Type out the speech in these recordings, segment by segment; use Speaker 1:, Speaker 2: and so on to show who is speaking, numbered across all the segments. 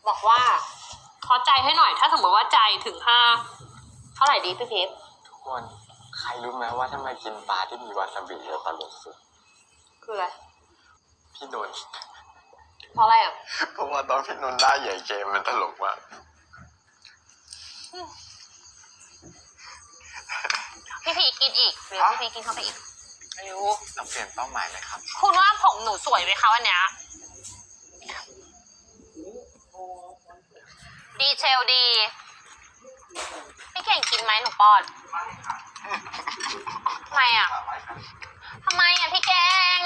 Speaker 1: บอกว่าขอใจให้หน่อยถ้าสมมติว่าใจถึง5เท่าไหร่ดีพี่เพชร
Speaker 2: ทุกคนใครรู้ไหมว่าถ้ามากินปลาที่มีวาซาบิจะตลกสุด
Speaker 1: คืออะไร
Speaker 2: พี่นนท์
Speaker 1: เพราะอะไรอ่ะ
Speaker 2: เพราะว่าตอนพี่นนท์หน้าใหญ่เกมมันตลกมาก
Speaker 1: พี่พีกินอีกหรือพี่พีกินเข้าไปอีกไม่รู้
Speaker 2: เราเปลี่ยนเป้าหมายไหมครับ
Speaker 1: คุณว่าผมหนูสวยไหมคะวันเนี้ยดีเทลดีพี่เก่งกินไหมหนูป้อนทำไมอ่ะพี่เก่ง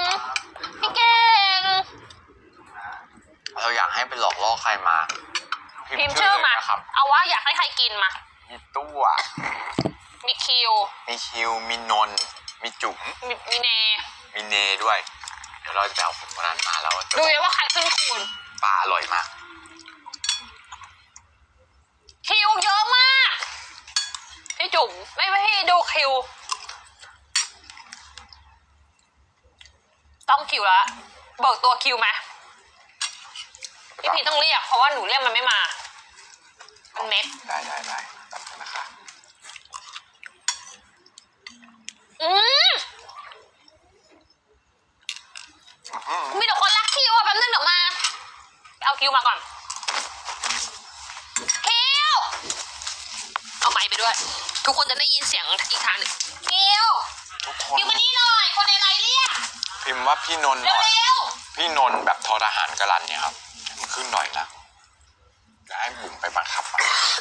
Speaker 2: เราอยากให้ไปหลอกล่อใครมา
Speaker 1: พิมพ์ชื่อมา
Speaker 2: นะครับ
Speaker 1: เอาว่าอยากให้ใครกินมา
Speaker 2: มีตู้
Speaker 1: มีคิว
Speaker 2: มีคิว มีนนท์มีจุ๋ม
Speaker 1: มีเน
Speaker 2: มีเนด้วย เดี๋ยวเราจะเอาผมคนนั้นมาแล้วจะ
Speaker 1: ดูเลยว่าใครขึ้นคูณ
Speaker 2: ปลาอร่อยมาก
Speaker 1: คิวเยอะมากพี่จุ๋มไม่ให้ดูคิวต้องคิวแล้วเบิกตัวคิวไหมพี่พีต้องเรียกเพราะว่าหนูเรียกมันไม่มามันเม็ด
Speaker 2: ได้ตัดกันนะคะ
Speaker 1: อืมมีแต่คนรักคิวอ่ะแป๊บนึงเดี๋ยวมาเอาคิวมาก่อนคิวเอาไมค์ไปด้วย ทุกคนจะได้ยินเสียงอีกทางหนึ่งคิว
Speaker 2: ทุกคน
Speaker 1: คิวมานี่หน่อยคนในไลน์เรียก
Speaker 2: พิมพ์ว่าพี่นนท์ห
Speaker 1: เร็
Speaker 2: น่
Speaker 1: ว
Speaker 2: อย
Speaker 1: เร็ว
Speaker 2: พี่นนท์แบบทอทหารกรันเนี่ยครับให้มันขึ้นหน่อยนะจะให้บุ๋มไปบังคับมัน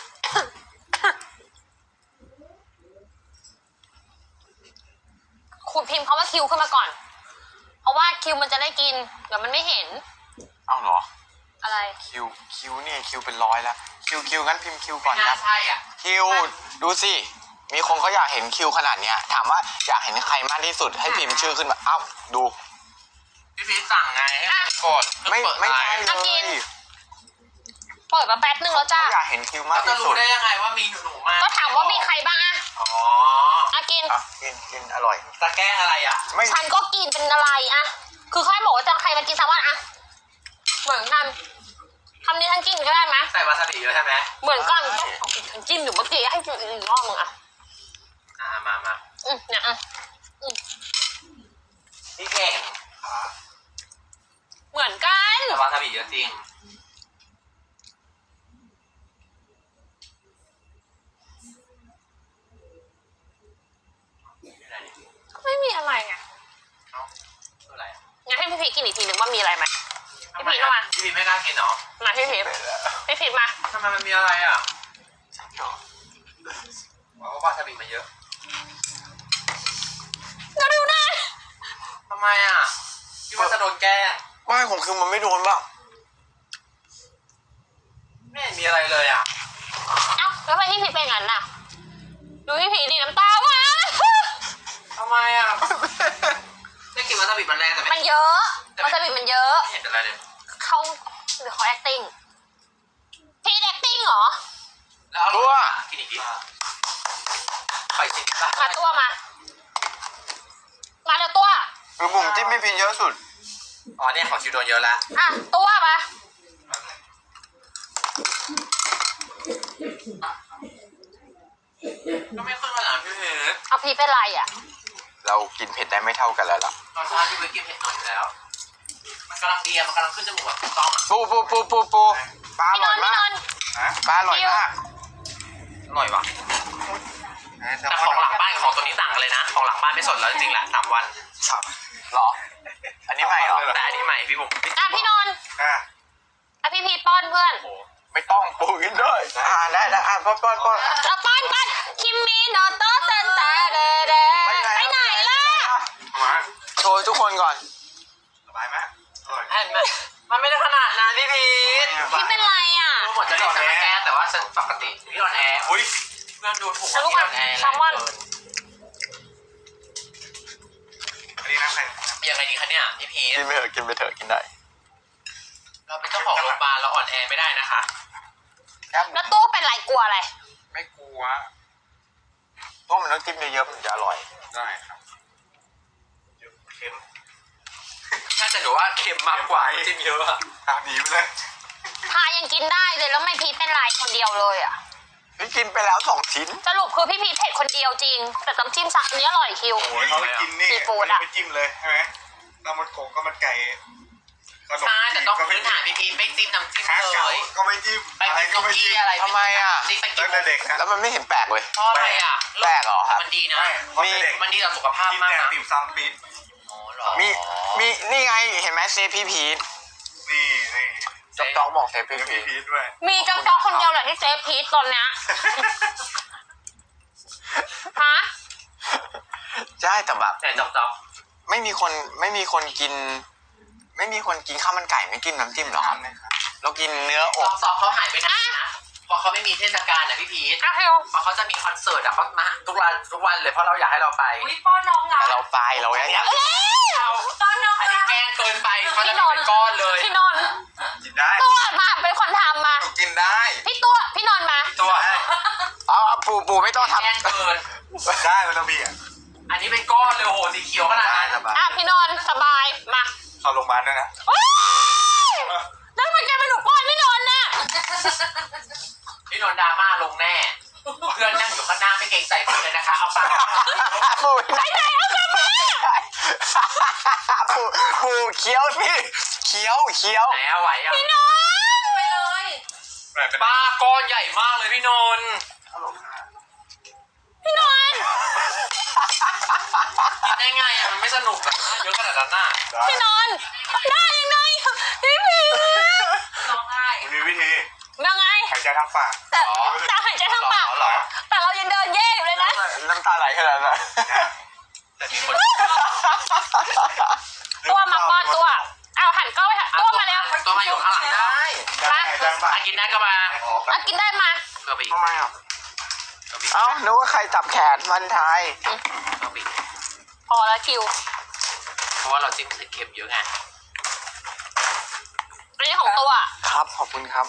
Speaker 1: คุณพิมพ์เขาว่าคิวขึ้นมาก่อน เพราะว่าคิวมันจะได้กินเดี๋ยวมันไม่เห็น
Speaker 2: เอ้าเหรอ
Speaker 1: อะไร
Speaker 2: คิวนี่คิวเป็น100แล้วคิวงั้นพิมพ์คิวก่อน
Speaker 1: ไม่
Speaker 2: ค
Speaker 1: น่า
Speaker 2: รับ
Speaker 1: ใช่อ่ะ
Speaker 2: คิวดูสิมีคนเขาอยากเห็นคิวขนาดเนี้ยถามว่าอยากเห็นใครมากที่สุดให้พิมพ์ชื่อขึ้นมาเอ้าดู
Speaker 3: พี่พีชสั่งไงให้กด
Speaker 2: ไม่ใช่เล
Speaker 1: อ่ะกิน
Speaker 2: ย
Speaker 1: เปิดมาแป๊บนึงแล้วจ้า
Speaker 2: เขาอยากเห็นคิวมา
Speaker 3: แล้
Speaker 2: ก
Speaker 3: วจะ
Speaker 2: ที่
Speaker 3: รู้
Speaker 2: สุด
Speaker 3: ได้ยังไงว่ามีหนูมา
Speaker 1: ก็ถามว่ามีใครบ้างอะ
Speaker 3: อ๋อ
Speaker 1: อ่ะกิน
Speaker 2: อ่ะกินอร่อย
Speaker 3: ตะแกล้งอะไรอ่ะ
Speaker 2: ไม่
Speaker 1: ฉันก็กินเป็นอะไรอะคือค่อยบอกว่าจะใครมากินแซลมอนอะเหมือนกันคำนี้ฉันกินก็ได้ไหม
Speaker 3: ใส่วาซาบิแล้วใช่ไหม
Speaker 1: เหมือนกันฉันจิ้มอยู่เมื่อกี้ให้กินอีกรอบมึงอะ
Speaker 3: มา
Speaker 1: เนี่ยอะ
Speaker 3: พี่เก่ง
Speaker 1: เหมือนกัน
Speaker 3: แต่วาซาบิเยอะจริง
Speaker 1: ไม่มีอะไรไง
Speaker 3: เอ้าคืออะไรอ่ะ
Speaker 1: งั้นให้พี่พีชกินอีกทีหนึ่งว่ามีอะไรไหมพี่พีชมา
Speaker 3: พี่พีชไม่กล้ากินเหรอ
Speaker 1: มาพี่พีชมา
Speaker 3: ทำไมมันมีอะไรอ่ะบอกว่าวาซาบิมันเยอะ
Speaker 1: ก็ดูนะ
Speaker 3: ทำไมอ่ะพี่ว่าจะโดนแกล้ง
Speaker 2: ไม่ของคือมันไม่โดนบ้าง
Speaker 3: ไม่เห็นมีอะไรเลยอ่ะ
Speaker 1: เอ้าแล้วทำไมพี่พีชเป็นงั้นน่ะดูพี่พีชดิน้ำตามา
Speaker 3: ทำไมอ่ะได้กินวาซาบิมันแรงแต่
Speaker 1: มั
Speaker 3: ไม่
Speaker 1: นเยอะวาซาบิมันเยอะ
Speaker 3: เห็นเป็นอะไรเลย
Speaker 1: เขาหรือเขา acting พีช acting เหรอ
Speaker 3: แล้วเอาตัวกินอีกทีไปสิ
Speaker 1: มาตัวมาเดี๋ยวตัว
Speaker 2: คือบุ๋มจิ้มไม่พินเยอะสุด
Speaker 3: อ๋อเนี่ยของชิวโดนเยอะแล้ว
Speaker 1: อ่ะตัวมา
Speaker 3: ก็ไม่ขึ้นมาหลังพี่พีช
Speaker 1: เอาพีชเป็นไรอ่ะ
Speaker 2: เรากินเผ็ดได้ไม่เท่ากันแล้วล่ะ
Speaker 3: ตอนเช้าพี่พีชกินเผ็ดน้อยอยู่แล้ว มันกำลังดีอะมันกำลังขึ้นจมูกแบบถูกต้องอะ
Speaker 2: ปูปลาอ
Speaker 1: พี่น
Speaker 2: ร่อย
Speaker 1: นท์
Speaker 2: มาก ปลาอร่อยมาก
Speaker 3: อร่อยว่ะแต่ของหลังบ้านกับของตัวนี้ต่างกันเลยนะ ของหลังบ้านไม่สดแล้วจริงๆแหละ3 วัน
Speaker 2: เหรอ อันนี้ใหม่เหรอ
Speaker 3: แต่อันนี้ใหม่พี่บุ๋ม
Speaker 1: อ่ะพี่นนท์
Speaker 2: อ่ะ
Speaker 1: อ่ะพี่พีชป้อนเพื่อน
Speaker 3: โอ้โห
Speaker 2: ไม่ต้องปูกินด้วยได้ป้อน
Speaker 1: เอาป้อนคิมมี่โนโตเซนแต่เดเดไปไหนล่ะ
Speaker 2: มาโชว์ทุกคนก่อน
Speaker 3: สบายไหมอร่อยมันไม่ได้ขนาดนั้นพี่พีช
Speaker 1: พี่เป็นไรอ่ะ
Speaker 3: รู้หมดจะโดนแอร์แต่ว่าฉันปกติพี่โดนแอร์อุ้ยเพื่อนดูถูกว่าพี่โดนแอร์
Speaker 1: แซลมอน
Speaker 3: อันนี้นะใครยังไงดีคะเนี่ยพี่พีช
Speaker 2: กินไปเถอะกินได้
Speaker 3: เราเป็นเจ้าของโรงพยาบาลเราอ่อนแอไม่ได้นะคะ
Speaker 1: แล้วตู้เป็นไรกลัวอะไร
Speaker 2: ไม่กลัวเพราะมันต้องจิ้มเยอะๆมันถึงจะอร่อย
Speaker 3: ได้ครับเค็มน่าจะหนูว่าเค็มมากกว่าจิ้มเยอะอะ
Speaker 2: ตามนี้ไปเลย
Speaker 1: ทายังกินได้เลยแล้วไม่พีชเป็นไรคนเดียวเลยอ่ะ
Speaker 2: พี่กินไปแล้ว2 ชิ้น
Speaker 1: สรุปคือพี่พีชเผ็ดคนเดียวจริง แต่น้ำจิ้มสักอันนี้อร่อยคิว
Speaker 4: โอ้ยเขาไปกินนี่
Speaker 1: ซีฟู้ดอะ
Speaker 4: ไม่จิ้มเลยใช่ไหมน้ำมันโขงก็มันไก่ขนม
Speaker 3: ใช่แต่ต้อง
Speaker 4: ก็
Speaker 3: พื้นฐานพี่พีไม่จิ้มน้ำจิ้ม
Speaker 4: ข้าว
Speaker 3: เล
Speaker 4: เก่าย ก็ไม่จิ้ม
Speaker 3: ไป
Speaker 4: อะไร
Speaker 3: กิน
Speaker 4: ก็
Speaker 3: ซุ
Speaker 4: ไม่
Speaker 3: กี้
Speaker 4: จิ้ม
Speaker 3: อะไร
Speaker 2: ทำไมอะ
Speaker 3: จิ้มไปกิ
Speaker 4: ตั้
Speaker 3: น
Speaker 4: งแต่เด็กนะ
Speaker 2: แล้วมันไม่เห็นแปลกเลย
Speaker 3: เพราะอะไรอ่ะ
Speaker 2: แปลกเหรอครับ
Speaker 3: มันดีนะ
Speaker 4: ใช่เพราะแต่เด็ก
Speaker 3: มันดีต่อสุขภาพ
Speaker 4: กิน
Speaker 3: มาก
Speaker 4: แต่
Speaker 3: นะ
Speaker 4: ติ่มซำปี๊ด
Speaker 3: อ๋อเหรอ
Speaker 2: มีนี่ไงเห็นไหมเซฟพี่พีท
Speaker 4: นี่นี่
Speaker 2: จ๊อกจ๊อกบอกเซฟพี่
Speaker 4: มี
Speaker 2: พีท
Speaker 4: พีชด้วย
Speaker 1: มีจ๊อกคนเดียวแหละที่เซฟพีชตอนเนี้ยฮะ
Speaker 2: ใช่แต่แบบ
Speaker 3: แต่จ๊อก
Speaker 2: ไม่มีคนกิน ไม่มีคนกินข้าวมันไก่ไม่กินน้ำจิ้มเหรอครับเรากินเนื้ออก
Speaker 3: ซอกเขาหายไปนานนะเพราะเขาไม่มีเทศกาลนะพี่พีท
Speaker 1: อ่ะคิว
Speaker 3: เพราะเขาจะมีคอนเสิร์ตอะเขามาทุกวันเลยเพราะเราอยากให้เราไป
Speaker 1: อุ้ยป้อนน้องรั
Speaker 2: แต่
Speaker 1: ก
Speaker 2: เราไปเราอยาก
Speaker 1: ป้อนน้อง
Speaker 3: อัน
Speaker 1: รั
Speaker 3: นี้
Speaker 1: ก
Speaker 3: แกล้งเกินไปเขาจะเป็นก้อนเลย
Speaker 1: พี่นนท์
Speaker 4: กินได้
Speaker 1: ตัวมาเป็นคนทำมา
Speaker 4: หนูกินได้
Speaker 1: พี่นนท์มา
Speaker 3: ตัว
Speaker 2: เอาปูไม่ต้องท
Speaker 3: แกล้งเกิน
Speaker 4: ได้มันต้องมีอ่ะ
Speaker 3: อันนี้เป็นก้อนเลยโอ้โหสีเขียวขนาด
Speaker 4: ได้
Speaker 3: นั้น
Speaker 4: สบาย
Speaker 1: อ่ะพี่นนท์สบายมา
Speaker 4: เข้าโรงพยาบาลด้วยนะ
Speaker 1: โอ๊ยแล้วทำไมแกเป็นหนูป้อนพี่นนท์น่ะ
Speaker 3: พี่นนท์ดราม่าลงแน่ เพื่อนนั่งอยู่ข้างหน้าไม่เกรงใจเพื่อนเลยนะคะ เอาปาก
Speaker 2: ำปูปูเคี้ยวสิเคี้ยว
Speaker 3: ไหนเอาไหวอ่ะ
Speaker 1: พี่นนท์ไปเลย
Speaker 4: แบบเป็น
Speaker 3: ป้าก้อนใหญ่มากเลยพี่นนท์
Speaker 1: พี่นนท์
Speaker 3: กินได้ไงอ่ะมันไม่สนุกนะเยอะขนาดนั้นน่ะ
Speaker 1: พี่นนท์ได้ยังไงพี่พีร้องไห้
Speaker 4: มีวิธี
Speaker 1: ยังไง
Speaker 4: หายใจทางปาก
Speaker 1: แต่หายใจทางปาก
Speaker 3: เหรอ
Speaker 1: แต่เรายังเดินเย่อยู่เลยนะ
Speaker 2: น้ำตาไหลขนาดนั้น
Speaker 3: แต่ที่คน
Speaker 1: ตัวมาป้อนตัวเอาหันกล้องไปหันตัวมาแล้ว
Speaker 3: ตัวมาอยู่ข้างหลังได้
Speaker 4: ได้หายใจทางปาก
Speaker 3: อ่ะกินได้ก็มา
Speaker 1: อ่ะกินได้มา
Speaker 3: กระบี่
Speaker 2: ทำไมอ่ะ
Speaker 3: กระบี่
Speaker 2: เอ้านึกว่าใครจับแขนมันไทย
Speaker 3: กระบี่
Speaker 1: พอแล้วคิว
Speaker 3: เพราะว่าเราจิ้มใส่เค็มเยอะไง
Speaker 1: อันนี้ของตัว
Speaker 2: ครับขอบคุณครับ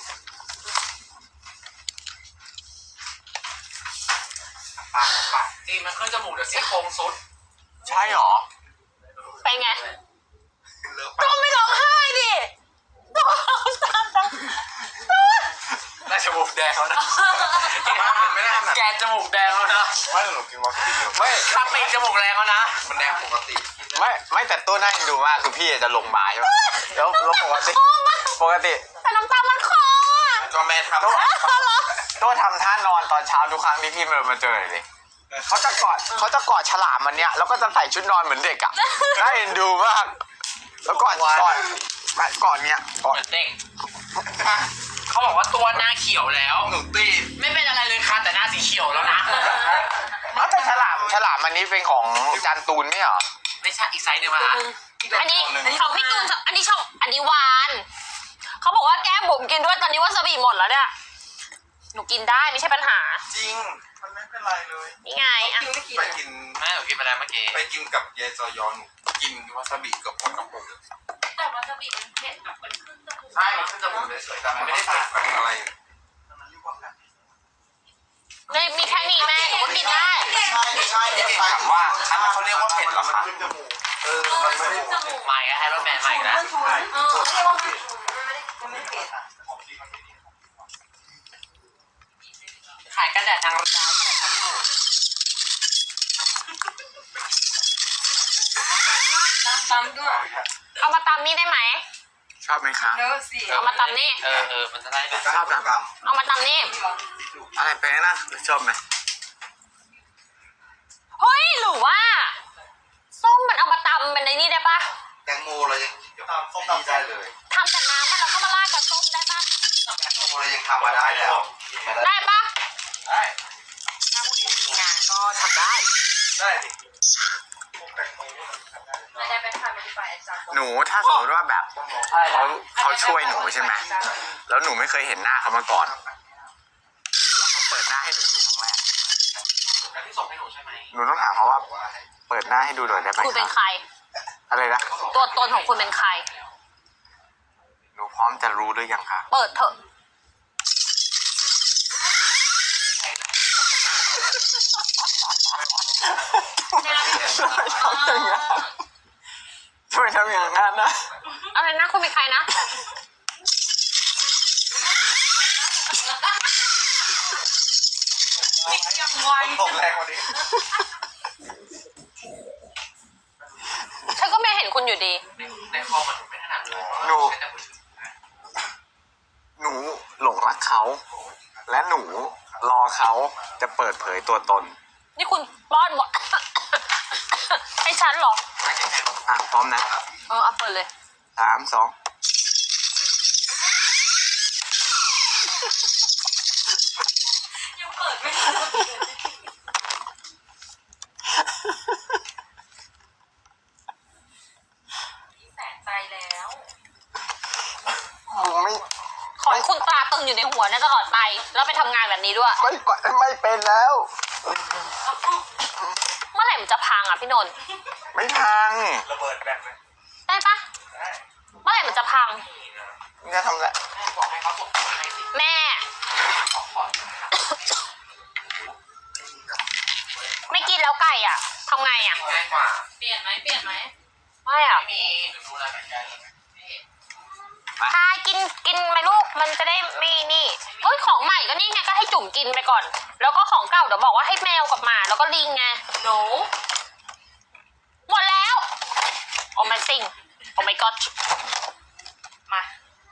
Speaker 4: ปากปาก
Speaker 3: จีนมันขึ้นจมูกเดี๋ยวซี่โครงสุด
Speaker 2: ใช่หรอ
Speaker 1: ไปไง
Speaker 4: เลิก
Speaker 1: ตัวไม่ร้องไห้ดิตัวร้องตาม
Speaker 3: ได้จมูกแดงแล้วนะ
Speaker 4: บ้ามันไม่ได้ขนาด
Speaker 3: แกนจมูกแดงแล้วนะ
Speaker 4: ไม่หนูกินวาซาบิเยอะ
Speaker 2: ไม่
Speaker 3: ข้างปีกจมูกแรงแล้วนะ
Speaker 4: มันแดงปกติ
Speaker 2: ไม่แต่ตัวน่าเอ็นดูมากคือพี่จะลงมาใช่ปะแล้วปกติ
Speaker 1: แต่น้ำตามันคออ่ะ
Speaker 4: ก็แม่ทำ
Speaker 2: ตัวทำท่านอนตอนเช้าทุกครั้งที่พี่มาเจอเลยเขาจะกอดฉลามมันเนี้ยแล้วก็จะใส่ชุดนอนเหมือนเด็กอ่ะน่าเอ็นดูมาก แล้วก่อนเนี้ยก่อน
Speaker 3: เหมือนเด็กเขาบอกว่าตัวหน้าเขียวแล้ว
Speaker 4: หนูตี
Speaker 3: ไม่เป็นอะไรเลยค่ะแต่หน้าสีเขียวแล้วนะ
Speaker 2: เอาแต่ฉลามอันนี้เป็นของจานตูนไม่เหรอ
Speaker 3: ไม่ใช่อีกไซส์หนึ่งมา
Speaker 1: อันนี้ของพี่ตูนอันนี้หวานเขาบอกว่าแก้มบุ๋มกินด้วยตอนนี้วาซาบิหมดแล้วเนี่ยหนูกินได้ไม่ใช่ปัญหา
Speaker 4: จริงมันไม่เป็นไรเลย
Speaker 1: นี่ไงอ่ะ
Speaker 4: ไปกิน
Speaker 3: แม่หนูกินไปแล้วเมื่อกี้
Speaker 4: ไปกินกับยายจอยอนกินวาซาบิกับคนกับผม
Speaker 1: แต่วาซาบิมันเผ็ดแบบมันขึ้นจมูก
Speaker 4: ใช่มันขึ้นจมูกเฉยๆแต่มันไม่ได้เผ็ดแบบอะไร
Speaker 1: เลยมีแค่นี้แม่หนูก็กินได้
Speaker 4: ใช่ถามว่าอันนั้นเขาเรียกว่าเผ็ดเหรอคะมันไม่ได้
Speaker 3: ใหม่ก็ให้รถแม่ใหม่แล้วขายกันแดดทางร้านค่ะพี่หนู
Speaker 5: ตำด้วย
Speaker 1: เอามาตำนี่ได้ไหม
Speaker 2: ชอบไหมคะ
Speaker 5: เยอะสิ
Speaker 1: เอามาตำนี่
Speaker 3: มันจะได้แบบ
Speaker 2: ชอบนะ
Speaker 1: เอามาตำนี่
Speaker 2: อะไรแปลงนะชอบไหม
Speaker 1: เฮ้ยหรือว่าส้มมันเอามาตำเป็นในนี่ได้ปะ
Speaker 4: แตงโมเรายังส้มตำได้เลย
Speaker 1: ทำแต่น้ำมันแล้วก็มาราดกับส้มได้ปะ
Speaker 4: แตงโมเรายังทำมาได้แล้ว
Speaker 1: ได้ปะ
Speaker 4: ได้
Speaker 3: ถ้าพรุ่งนี้มีงานก็ทำได้
Speaker 4: ได้ดิ
Speaker 5: ไม่ได้ไปทำไม่ได้ไปจับ
Speaker 2: หนูถ้าสมมติว่าแบบเขาช่วยหนูใช่ไหมแล้วหนูไม่เคยเห็นหน้าเขามาก่อน แล้วเขาเปิดหน้าให้หนูดูครั้งแรก
Speaker 3: แล้วที่ส่งให้หนูใช่ไหม
Speaker 2: หนูต้องถามเขาว่าเปิดหน้าให้ดูหน่อยได้ไหม
Speaker 1: คุณเป็น
Speaker 2: คะ
Speaker 1: ใคร
Speaker 2: อะไรนะ
Speaker 1: ตัวตนของคุณเป็นใคร
Speaker 2: หนูพร้อมจะรู้หรือยังคะ
Speaker 1: เปิดเถอะ
Speaker 2: ช่วยทำอย่างนั้นนะ
Speaker 1: อะไรนะคุณเป็นใครนะ
Speaker 5: ปิดยังไว
Speaker 4: ตกแรงกว่านี้
Speaker 1: ฉันก็ไม่เห็นคุณอยู่ดี
Speaker 3: ในคอมันไม่ถนัดเลย
Speaker 2: หนูหลงรักเขา และหนูรอเขาจะเปิดเผยตัวตน
Speaker 1: นี่คุณป้อนหมด ให้ฉันเหรอ
Speaker 2: อ่ะพร้อมนะ
Speaker 1: เอาเปิดเลย
Speaker 2: 3 2
Speaker 5: ยังเปิดไม่ได้แสนใจแล้ว
Speaker 2: มึงไม่
Speaker 1: ขอให้คุณตราตึงอยู่ในหัวนะตลอดไป แล้วไปทำงานแบบนี้ด้วย
Speaker 2: ไม่เป็นแล้ว
Speaker 1: เมื่อไหร่มันจะพังอ่ะพี่นนท์
Speaker 2: ไม่พัง
Speaker 4: ระเบิดแบบไหม
Speaker 1: ได้ปะเมื่อไหร่มันจะพัง
Speaker 2: มึงจะทำอะไร
Speaker 3: บอกให้เขาส่งมาให้สิ
Speaker 1: แม่
Speaker 3: ขอ
Speaker 1: ไม่กินแล้วไก่อ่ะทำไงอ่ะ
Speaker 3: ง่ายกว่า
Speaker 5: เปลี่ยนไหมเปลี่ยนไหม
Speaker 1: ไม่อ่ะ
Speaker 3: ไม่มีเดี๋ยวดูแลกันได้เลยนี่
Speaker 1: พากินไหมลูกมันจะได้ไม่นี่เฮ้ยของใหม่ก็นี่ไงก็ให้จุ่มกินไปก่อน แล้วก็ของเก่าเดี๋ยวบอกว่าให้แมวกับหมาแล้วก็ลิงไง
Speaker 5: หนู
Speaker 1: หมดแล้วโอ้ my thing โอ้ my god